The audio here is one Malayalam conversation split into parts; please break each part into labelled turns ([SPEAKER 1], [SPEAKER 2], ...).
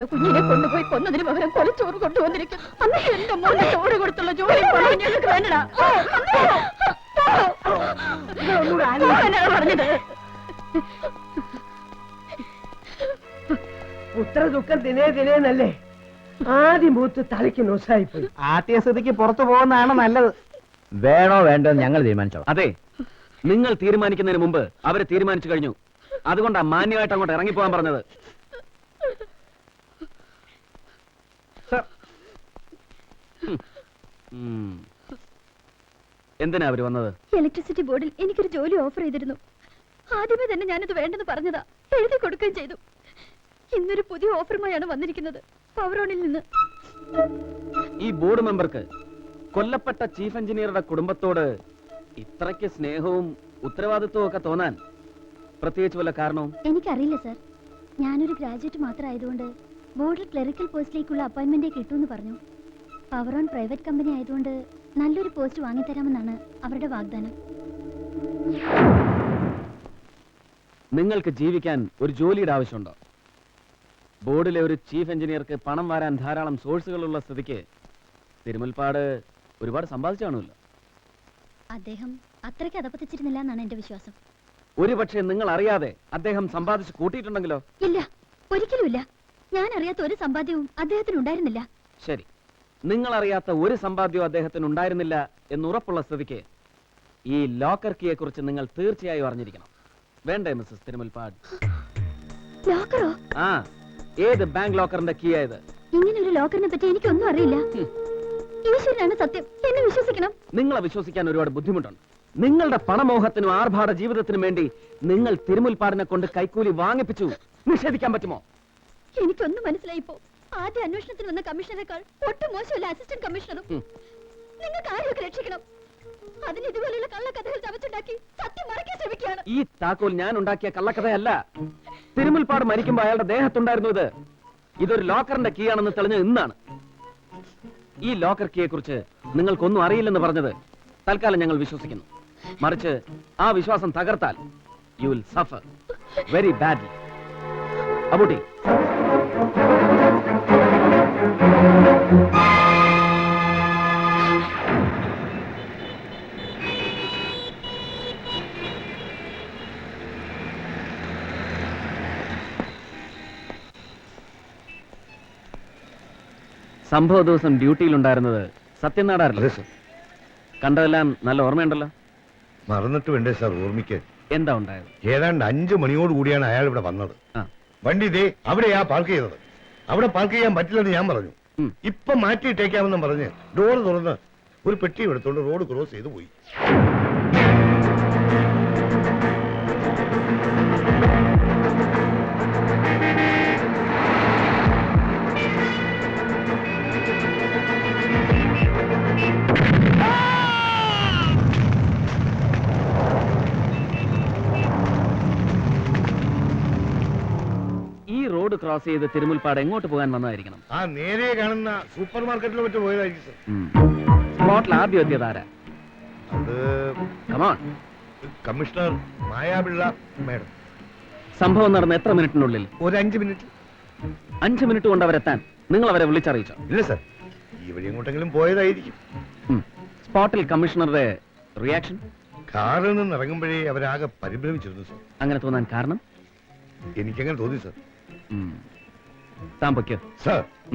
[SPEAKER 1] കുഞ്ഞിനെ കൊണ്ടുപോയി കൊന്നതിന് പകരം കൊലച്ചോറ് കൊണ്ടുവന്നിരിക്കുന്നു. അന്ന് എന്റെ മോനെ ചോറ് കൊടുത്തുള്ള ജോലി ഞങ്ങൾക്ക് വേണ്ടടാ. പറഞ്ഞത്
[SPEAKER 2] പുത്ര ദുഃഖം ദിനേ ദിനേന്നല്ലേ ആദ്യം മൂത്ത് തലയ്ക്ക് നോസായിപ്പോയി.
[SPEAKER 3] ആദ്യസ്ഥിതിക്ക് പുറത്തു പോകുന്നതാണ് നല്ലത്.
[SPEAKER 4] വേണോ വേണ്ടോ ഞങ്ങൾ തീരുമാനിച്ചോ.
[SPEAKER 3] അതെ, നിങ്ങൾ തീരുമാനിക്കുന്നതിന് മുമ്പ് അവരെ തീരുമാനിച്ചു കഴിഞ്ഞു. അതുകൊണ്ടാ മാന്യമായിട്ട് അങ്ങോട്ട് ഇറങ്ങിപ്പോകാൻ പറഞ്ഞത്. എന്തിനാ അവര് വന്നത്?
[SPEAKER 1] ഇലക്ട്രിസിറ്റി ബോർഡിൽ എനിക്കൊരു ജോലി ഓഫർ ചെയ്തിരുന്നു. ആദ്യമേ തന്നെ ഞാനത് വേണ്ടെന്ന് പറഞ്ഞതാ. എഴുതി കൊടുക്കുകയും ചെയ്തു. ഇന്നൊരു പുതിയ ഓഫറുമായാണ് വന്നിരിക്കുന്നത്, പവറോണിൽ നിന്ന്.
[SPEAKER 3] ഈ ബോർഡ് മെമ്പർക്ക് കൊല്ലപ്പെട്ട ചീഫ് എഞ്ചിനീയറുടെ കുടുംബത്തോട് ഇത്രയ്ക്ക് സ്നേഹവും ഉത്തരവാദിത്വവും ഒക്കെ തോന്നാൻ പ്രത്യേകിച്ച് വല്ല കാരണവും?
[SPEAKER 1] എനിക്കറിയില്ല സർ. ഞാനൊരു ഗ്രാജുവേറ്റ് മാത്രമായതുകൊണ്ട് ബോർഡിൽ ക്ലറിക്കൽ പോസ്റ്റിലേക്കുള്ള അപ്പോയിന്റ്മെന്റ് കിട്ടുമെന്ന് പറഞ്ഞു. പവറോൺ പ്രൈവറ്റ് കമ്പനി ആയതുകൊണ്ട് നല്ലൊരു പോസ്റ്റ് വാങ്ങിത്തരാമെന്നാണ് അവരുടെ വാഗ്ദാനം.
[SPEAKER 3] നിങ്ങൾക്ക് ജീവിക്കാൻ ഒരു ജോലിയുടെ ആവശ്യമുണ്ടോ? ബോർഡിലെ ഒരു ചീഫ് എഞ്ചിനീയർക്ക് പണം വരാൻ ധാരാളം സോഴ്സുകളുള്ള സ്ഥിതിക്ക് തിരുമുൽപ്പാട് ഒരുപാട് സമ്പാദിച്ചു കാണുമല്ലോ.
[SPEAKER 1] അദ്ദേഹം അത്രയ്ക്ക് അതപ്പത്തിച്ചിരുന്നില്ല എന്നാണ് എന്റെ വിശ്വാസം.
[SPEAKER 3] ഒരുപക്ഷെ നിങ്ങൾ അറിയാതെ അദ്ദേഹം സമ്പാദിച്ച് കൂട്ടിയിട്ടുണ്ടെങ്കിലോ?
[SPEAKER 1] ഇല്ല, ഒരിക്കലുമില്ല. ഞാൻ അറിയാത്ത ഒരു സമ്പാദ്യവും അദ്ദേഹത്തിന് ഉണ്ടായിരുന്നില്ല.
[SPEAKER 3] ശരി, നിങ്ങൾ അറിയാത്ത ഒരു സമ്പാദ്യവും അദ്ദേഹത്തിന് ഉണ്ടായിരുന്നില്ല എന്നുറപ്പുള്ള സ്ഥിതിക്ക് ഈ ലോക്കർ കീയെ കുറിച്ച് നിങ്ങൾ തീർച്ചയായും അറിഞ്ഞിരിക്കണം. വേണ്ടേ മിസ്സസ് തിരുമുൽപ്പാട്?
[SPEAKER 1] ലോക്കറോ?
[SPEAKER 3] ആ, ഏത് ബാങ്ക് ലോക്കറിന്റെ കീ ആയത്?
[SPEAKER 1] ഇങ്ങനെ ഒരു ലോക്കറിനെ പറ്റി എനിക്കൊന്നും അറിയില്ല. ഈശ്വരനാണ് സത്യം, എന്നെ വിശ്വസിക്കണം.
[SPEAKER 3] നിങ്ങളെ വിശ്വസിക്കാൻ ഒരുപാട് ബുദ്ധിമുട്ടുണ്ട്. നിങ്ങളുടെ പണമോഹത്തിനും ആർഭാട ജീവിതത്തിനും വേണ്ടി നിങ്ങൾ തിരുമുൽപ്പാടിനെ കൊണ്ട് കൈക്കൂലി വാങ്ങിപ്പിച്ചു. നിഷേധിക്കാൻ പറ്റുമോ?
[SPEAKER 1] എനിക്കൊന്നും മനസ്സിലായിപ്പോ. ആദ്യ അന്വേഷണത്തിന് വന്ന കമ്മീഷണറേക്കാൾ ഒട്ടും മോശമല്ല അസിസ്റ്റന്റ് കമ്മീഷണറും. നിങ്ങൾക്ക് ആരെയൊക്കെ രക്ഷിക്കണം. അതിന് ഇതുപോലെയുള്ള കള്ളക്കഥകൾ ചവച്ചുണ്ടാക്കി സത്യം മറയ്ക്കാൻ ശ്രമിക്കുകയാണ്.
[SPEAKER 3] ഈ താക്കോൽ ഞാൻ ഉണ്ടാക്കിയ കള്ളക്കഥയല്ല. തിരുമുൽപ്പാട് മരിക്കുമ്പോൾ അയാളുടെ ദേഹത്തുണ്ടായിരുന്നു ഇത്. ഇതൊരു ലോക്കറിന്റെ കീ ആണെന്ന് തെളിഞ്ഞത് ഇന്നാണ്. ഈ ലോക്കർ കീയെ കുറിച്ച് നിങ്ങൾക്കൊന്നും അറിയില്ലെന്ന് പറഞ്ഞത് തൽക്കാലം ഞങ്ങൾ വിശ്വസിക്കുന്നു. മറിച്ച് ആ വിശ്വാസം തകർത്താൽ you will suffer very badly. Abootty, സംഭവ ദിവസം ഡ്യൂട്ടിയിലുണ്ടായിരുന്നത് സത്യനാടാറില്ല. കണ്ടതെല്ലാം നല്ല ഓർമ്മയുണ്ടല്ലോ.
[SPEAKER 5] മറന്നിട്ട് വേണ്ടേ സാർ ഓർമ്മിക്കാൻ?
[SPEAKER 3] എന്താ ഉണ്ടായത്?
[SPEAKER 5] ഏതാണ്ട് 5 മണിയോട് കൂടിയാണ് അയാൾ ഇവിടെ വന്നത്. വണ്ടി ഇതേ അവിടെയാ പാർക്ക് ചെയ്തത്. അവിടെ പാർക്ക് ചെയ്യാൻ പറ്റില്ലെന്ന് ഞാൻ പറഞ്ഞു. ഇപ്പൊ മാറ്റിയിട്ടേക്കാമെന്നും പറഞ്ഞ് ഡോർ തുറന്ന് ഒരു പെട്ടി എടുത്തോണ്ട് റോഡ് ക്രോസ് ചെയ്ത് പോയി.
[SPEAKER 3] റോഡ് ക്രോസ് ചെയ്ത് തിരുമുൽപ്പാട് എങ്ങോട്ട് പോകാൻ വന്നതായിരിക്കണം?
[SPEAKER 5] ആ നേരെ കാണുന്ന സൂപ്പർ മാർക്കറ്റിൽ മറ്റു പോയതായിരിക്കും സർ.
[SPEAKER 3] സ്പോട്ടിൽ ആദ്യം എത്തിയത് ആരാ?
[SPEAKER 5] അത് കമ്മീഷണർ മായാപിള്ള മേഡം.
[SPEAKER 3] സംഭവം നടന്ന എത്ര മിനിറ്റിനുള്ളിൽ?
[SPEAKER 5] ഒരു 5 മിനിറ്റ്.
[SPEAKER 3] 5 മിനിറ്റ് കൊണ്ട് അവരെത്താൻ നിങ്ങൾ അവരെ വിളിച്ചറിയിച്ചോ?
[SPEAKER 5] ഇല്ല സർ, ഈ വഴി എങ്ങോട്ടെങ്കിലും പോയതായിരിക്കും.
[SPEAKER 3] സ്പോട്ടിൽ കമ്മീഷണറുടെ റിയാക്ഷൻ?
[SPEAKER 5] കാറിൽ നിന്ന് ഇറങ്ങുമ്പോഴേ അവരാകെ പരിഭ്രമിച്ചിരുന്നു സർ.
[SPEAKER 3] അങ്ങനെ തോന്നാൻ കാരണം?
[SPEAKER 5] എനിക്കങ്ങനെ തോന്നി സർ.
[SPEAKER 3] താൻ പൊയ്ക്കോ
[SPEAKER 5] സർ.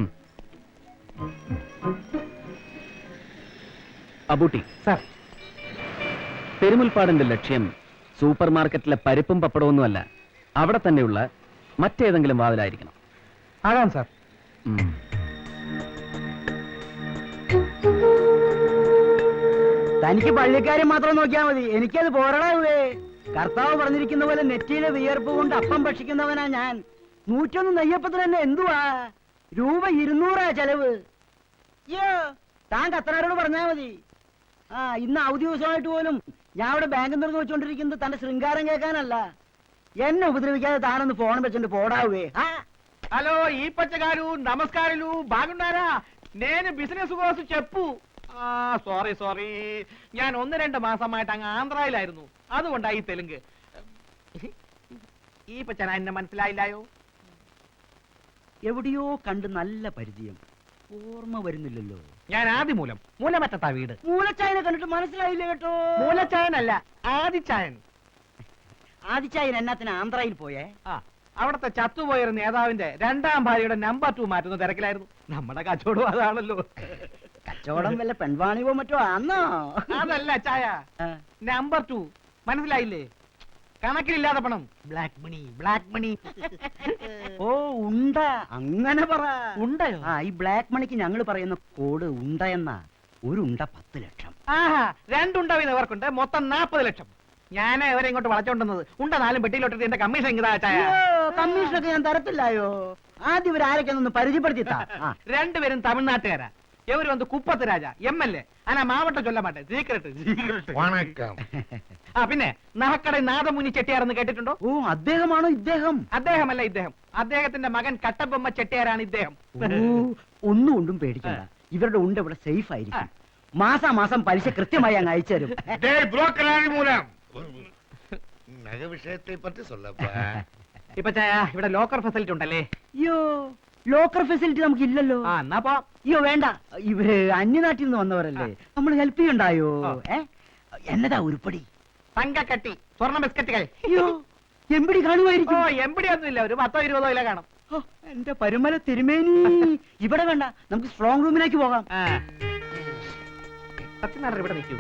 [SPEAKER 3] അബൂട്ടി സർ, പെരുമുൽപ്പാടിന്റെ ലക്ഷ്യം സൂപ്പർ മാർക്കറ്റിലെ പരിപ്പും പപ്പടമൊന്നുമല്ല, അവിടെ തന്നെയുള്ള മറ്റേതെങ്കിലും വാതിലായിരിക്കണം.
[SPEAKER 4] ആകാം സാർ. തനിക്ക് പള്ളിക്കാരെ മാത്രം നോക്കിയാൽ മതി, എനിക്കത് പോരാടാവേ. കർത്താവ് പറഞ്ഞിരിക്കുന്ന പോലെ നെറ്റിയിലെ വിയർപ്പ് കൊണ്ട് അപ്പം ഭക്ഷിക്കുന്നവനാ ഞാൻ. 101 നെയ്യപ്പത്തിന് തന്നെ എന്തുവാ രൂപ 200 ചെലവ്. അയ്യോ, താൻ കത്തനാരോട് പറഞ്ഞാ മതി. ഇന്ന് അവധി ദിവസമായിട്ട് പോലും ഞാൻ ഇവിടെ ബാങ്കിൽ നിന്ന് വെച്ചോണ്ടിരിക്കുന്നത് തന്റെ ശൃംഗാരം കേൾക്കാനല്ല. എന്നെ ഉപദ്രവിക്കാതെ താനൊന്ന് ഫോൺ വെച്ചിട്ട് പോടാവേ.
[SPEAKER 6] హలో ఈపచ్చ గారు నమస్కారాలు, బాగున్నారా? నేను బిజినెస్ కోసం చెప్పు. സോറി ഞാൻ 1-2 മാസമായിട്ട് അങ്ങ് ആന്ധ്രയിലായിരുന്നു, അതുകൊണ്ടായി തെലുങ്ക്. ഈ പച്ചന എന്നെ മനസ്സിലായില്ലായോ?
[SPEAKER 4] എവിടെയോ കണ്ട് നല്ല പരിചയം, ഓർമ്മ വരുന്നില്ലല്ലോ.
[SPEAKER 6] ഞാൻ ആദിമൂലം, മൂലമറ്റത്താ വീട്.
[SPEAKER 4] മൂലച്ചായനെ കണ്ടിട്ട് മനസ്സിലായില്ല കേട്ടോ.
[SPEAKER 6] മൂലച്ചായനല്ല, ആദിച്ചായൻ.
[SPEAKER 4] ആദിച്ചായൻ എന്നാത്തിന് ആന്ധ്രയിൽ പോയേ?
[SPEAKER 6] ആ, അവിടത്തെ ചത്തുപോയൊരു നേതാവിന്റെ 2ാം ഭാര്യയുടെ നമ്പർ 2 മാറ്റുന്ന തിരക്കിലായിരുന്നു. നമ്മുടെ കച്ചവടം അതാണല്ലോ.
[SPEAKER 4] കച്ചവടം വല്ല പെൺവാണിവോ മറ്റോ ആന്നോ?
[SPEAKER 6] അതല്ല ചായ,
[SPEAKER 4] ആ.
[SPEAKER 6] നമ്പർ 2 മനസ്സിലായില്ലേ? കണക്കിലില്ലാതെ പണം, ബ്ലാക്ക് മണി, ബ്ലാക്ക് മണി.
[SPEAKER 4] ഓ ഉണ്ട, അങ്ങനെ പറ.
[SPEAKER 6] ഉണ്ടയോ?
[SPEAKER 4] ആ, ഈ ബ്ലാക്ക് മണിക്ക് ഞങ്ങൾ പറയുന്ന കോഡ് ഉണ്ട എന്നാ. ഒരു ഉണ്ട 10 ലക്ഷം.
[SPEAKER 6] ആഹാ, 2 ഉണ്ട വീതം ഇവർക്കുണ്ട്, മൊത്തം 40 ലക്ഷം. ഞാൻ ഇവരെ ഇങ്ങോട്ട് വളച്ചോണ്ടുന്നത് ഉണ്ട 4 പെട്ടിയിലോട്ടിട്ട് എന്റെ കമ്മീഷൻ ഇതാ ചായ.
[SPEAKER 4] കമ്മീഷനൊക്കെ ഞാൻ തരത്തില്ലായോ. ആദ്യം ഇവരാരൊക്കെയൊന്ന് പരിചയപ്പെടുത്തിത്താ. ആ.
[SPEAKER 6] 2 പേരും തമിഴ്നാട്ടുകാരാ. ഇവര് വന്ന് കുപ്പത്ത് രാജ MLA. ആനാ മാവട്ടം ചൊല്ല മാട്ടെ, സീക്രട്ട്.
[SPEAKER 5] വണക്കം.
[SPEAKER 6] ആ, പിന്നെ നഹക്കട നാദമുനി ചെട്ടിയാരെന്ന് കേട്ടിട്ടുണ്ടോ?
[SPEAKER 4] ഓ, അദ്ദേഹമാണോ ഇദ്ദേഹം?
[SPEAKER 6] അദ്ദേഹമല്ല ഇദ്ദേഹം, അദ്ദേഹത്തിന്റെ മകൻ കട്ടബൊമ്മ ചെട്ടിയാരാണ് ഇദ്ദേഹം.
[SPEAKER 4] ഓ, ഒന്നും കൊണ്ടും പേടിക്കണ്ട. ഇവരുടെ ഉണ്ട് ഇവിടെ സേഫ് ആയിരിക്കും. മാസാമാസം പലിശ കൃത്യമായി അങ്ങ് അയച്ചു തരും.
[SPEAKER 5] டேய் புரோக்கர் ஆதிமூலம் நகை விஷயத்தை பற்றி சொல்லப்பா.
[SPEAKER 6] ഇപ്പൊ ചായ ഇവിടെ ലോക്കർ ഫെസിലിറ്റി ഉണ്ടല്ലേ?
[SPEAKER 4] അയ്യോ, ലോക്കർ ഫെസിലിറ്റി നമുക്ക് ഇല്ലല്ലോ.
[SPEAKER 6] ആ, എന്നാ പോ.
[SPEAKER 4] അയ്യോ വേണ്ട, ഇവര് അന്യനാട്ടിൽ നിന്ന് വന്നവരല്ലേ, നമ്മൾ ഹെൽപ്പ് ചെയ്യണ്ടായോ? എന്നതാ ഉരുപ്പടി?
[SPEAKER 6] തങ്കക്കട്ടി, സ്വർണ്ണ ബിസ്ക്കറ്റുകൾ.
[SPEAKER 4] അയ്യോ, എമ്പടി
[SPEAKER 6] ഓ,
[SPEAKER 4] കാണുമായിരിക്കും.
[SPEAKER 6] എമ്പടി ഒന്നുമില്ല, ഒരു 10-20 കിലോ കാണും.
[SPEAKER 4] ഓ, എന്റെ പരുമല തിരുമേനി. ഇവിടെ വേണ്ട, നമുക്ക് സ്ട്രോങ് റൂമിലേക്ക് പോകാം.
[SPEAKER 6] ആ. സത്യനാരായണൻ ഇവിടെ നിൽക്കൂ.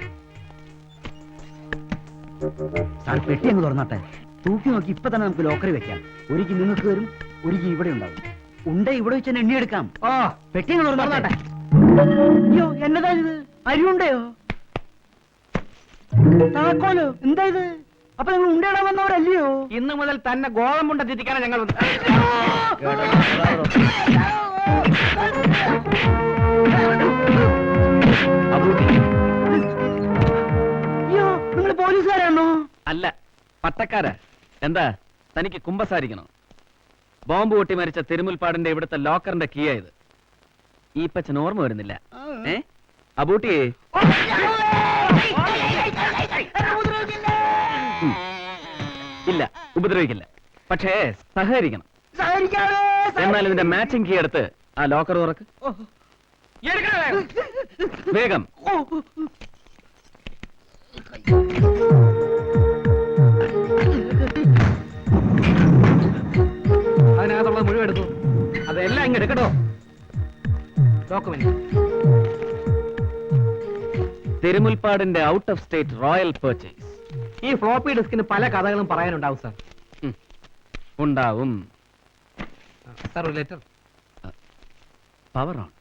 [SPEAKER 4] സാർ പെട്ടി അങ്ങ് തുറന്നോട്ടെ. തൂക്കി നോക്കി ഇപ്പൊ തന്നെ നമുക്ക് ലോക്കറി വെക്കാം. ഒരിക്കൽ നിങ്ങൾക്ക് വരും, ഒരിക്കൽ ഇവിടെ ഉണ്ടാവും. ഉണ്ട ഇവിടെ വെച്ച് തന്നെ എണ്ണിയെടുക്കാം.
[SPEAKER 6] ഓ,
[SPEAKER 4] പെട്ടി അങ്ങ് തുറന്നോട്ടെ. അയ്യോ, എന്നതാ ഇത്? അരിയുണ്ടയോ? താക്കോലോ? എന്താ ഇത്? അപ്പൊ നിങ്ങൾ ഉണ്ടയിടാൻ വന്നവരല്ലയോ?
[SPEAKER 6] ഇന്ന് മുതൽ തന്നെ ഗോതമ്പുണ്ട തിരിക്കാനാണ് ഞങ്ങൾ വന്നത്.
[SPEAKER 4] അയ്യോ, നിങ്ങൾ പോലീസുകാരാണോ?
[SPEAKER 3] അല്ല, പട്ടക്കാരാ. എന്താ, തനിക്ക് കുമ്പസാരിക്കണോ? ബോംബ് പൊട്ടി മരിച്ച തിരുമുൽപ്പാടിന്റെ ഇവിടുത്തെ ലോക്കറിന്റെ കീ ആയത്. ഈ പച്ചന് ഓർമ്മ വരുന്നില്ല. അബൂട്ടിയെ ഇല്ല, ഉപദ്രവിക്കില്ല. പക്ഷേ സഹകരിക്കണം. എന്നാൽ ഇതിന്റെ മാച്ചിങ് കീ എടുത്ത് ആ ലോക്കർ തുറക്ക്.
[SPEAKER 6] എടുക്കണേ.
[SPEAKER 3] വേഗം.
[SPEAKER 6] അതിനകത്തുള്ളത് മുഴുവൻ എടുത്തു. അതെല്ലാം ഇങ്ങ് എടുക്കട്ടോ. ഡോക്യുമെന്റ്.
[SPEAKER 3] തിരുമുൽപ്പാടിന്റെ out of state royal purchase.
[SPEAKER 6] ഈ ഫ്ലോപ്പി ഡിസ്കിന് പല കഥകളും പറയാനുണ്ടാവും സാർ.
[SPEAKER 3] ഉണ്ടാവും.
[SPEAKER 6] സാർ, ഒരു letter.
[SPEAKER 3] Power on.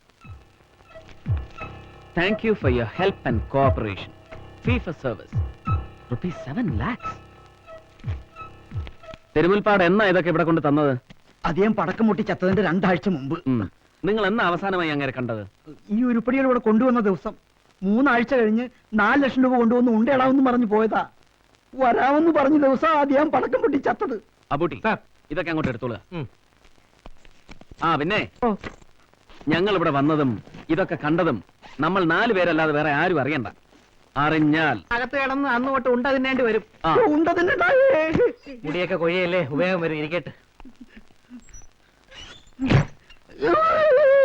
[SPEAKER 3] Thank you for your help and cooperation. Fee for service ₹7 lakhs. Thirumulpad എന്നാ ഇതൊക്കെ ഇവിടെ കൊണ്ട് തന്നത്?
[SPEAKER 4] അദ്ദേഹം പടക്കം പൊട്ടി ചത്തതിന്റെ 2 ആഴ്ച മുമ്പ്.
[SPEAKER 3] നിങ്ങൾ എന്നാ അവസാനമായി അങ്ങനെ കണ്ടത്?
[SPEAKER 4] ഈ ഉരുപ്പടികൾ ഇവിടെ കൊണ്ടുവന്ന ദിവസം 3 ആഴ്ച കഴിഞ്ഞ് 4 ലക്ഷം രൂപ കൊണ്ടുവന്ന് ഉണ്ടയിടാമെന്ന് പറഞ്ഞു പോയതാ. വരാമെന്ന് പറഞ്ഞ ദിവസം അദ്ദേഹം പടക്കം പൊട്ടി ചത്തത്.
[SPEAKER 3] അബൂട്ടി,
[SPEAKER 6] സാർ.
[SPEAKER 3] ഇതൊക്കെ അങ്ങോട്ട് എടുത്തോളുക. ആ, പിന്നെ ഞങ്ങൾ ഇവിടെ വന്നതും ഇതൊക്കെ കണ്ടതും നമ്മൾ 4 പേരല്ലാതെ വേറെ ആരും അറിയണ്ട. അറിഞ്ഞാൽ
[SPEAKER 6] അകത്ത് കിടന്ന് അന്ന് തൊട്ട് ഉണ്ട തിന്നേണ്ടി വരും.
[SPEAKER 3] ആ,
[SPEAKER 4] ഉണ്ടതിന്റെ
[SPEAKER 6] മുടിയൊക്കെ കൊഴിയല്ലേ, ഉപയോഗം വരും. ഇരിക്കട്ടെ.